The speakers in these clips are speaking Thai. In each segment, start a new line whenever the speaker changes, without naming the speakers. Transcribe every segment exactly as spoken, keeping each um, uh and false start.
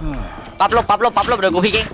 ปั๊บลบปั๊บลบปั๊บลบเดี๋ยวกูพี่เก่ง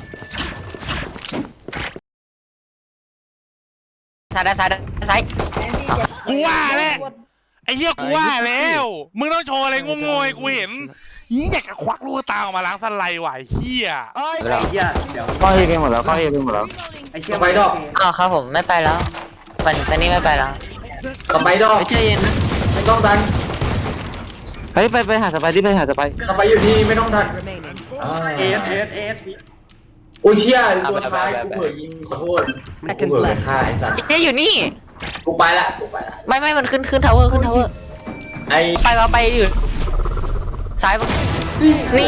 ซ้ายด้านซ้ายด้านซ้าย
กูว่าแหละไอ้เหี้ยกูว่าแล้วมึงต้องโชว์อะไรงงๆให้กูเห็นยี่อยากจะควักลูกตาออกมาล้างสไลด์ว่ะไอ้เหี้ย
ไอ้เหี้ยเดี๋ยว
ก็เอไปหมดแล้วก็เอไปหมดแล้ว
ไอ้เหี้ยไปดอก
อ้าวครับผมไม่ไปแล้วปันตอนนี้ไม่ไปแล้ว
สไปดอก
ใจเย็นนะ
ไม่ต้องดัน
เฮ้ยไปไปหาสไปที่ไปหาสไป
สไปอยู่ที่ไม่ต้องดันเอสเอสเอสโอ้ยเชี่ยตัวท้ายกูเผยยิงขอโทษกูเผยฆ่าไอ้สัตว์
เอ๊ะอยู่นี่
กูไปละกูไปละ
ไม่ไม่มันขึ้นขึ้นทาวเวอร์ขึ้นทาวเวอร์
ไอ้
ไปมาไปอยู่ซ้ายปะนี่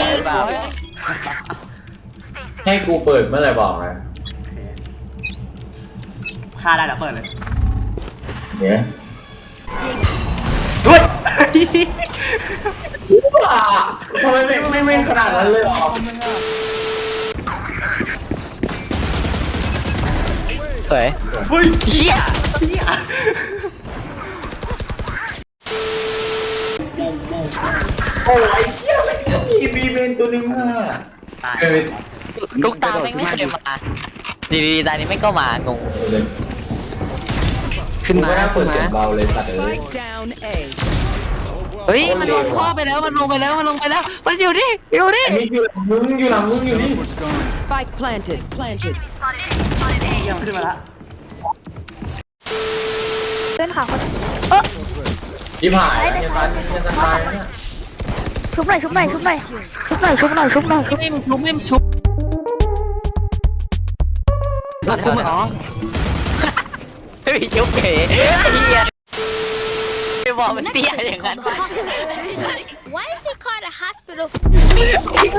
ให้กูเปิดเมื่อไหร่บอกนะ
ฆ่าได้แล้วเปิดเลย
เนี่ย
ด้วย
ทำไมไม่ไม่ไม่ขนาดนั้นเลยหรอ
สวย
เฮ้ย
เชี่ย
เหี้ย
โอ้ยไอ้เหี้ยไม่มีบีเมนตัวนึงอ่ะ
ตาย
เออ
ลูกตาแม่งไม่เคยมาดีดีตานี้ไม่ก็มางง
ขึ้นมา
เปิ
ขึ้
ด
น
เสีย
มาง
เบาเลยสัตว์เอ้ย
เฮ้ยมันลงท่อไปแล้วมันลงไปแล้วมันลงไปแล้วมันอยู่นี่อยู่นี่
ไอ้นี่อยู่มึงอยู่หลังมึงอยู่นี่
Spike planted. Planted.
เหี้ยมันขึ้นมาละ
เพื่อนค่ะเขา
ที่ผ่านเนี่ยตายเนี่ยจะตายเนี่ย
ชุบหน่อยชุบหน่อยชุบหน่อยชุบหน่อยชุบหน่อยชุบหน่อย
ไม่มชุบไม่มชุบ
แล้วคุณอ๋อ
ไม่มีชุบเก๋เฮียไปบอกมันเตี้ยอย่างนั้น
Why is it called a hospital?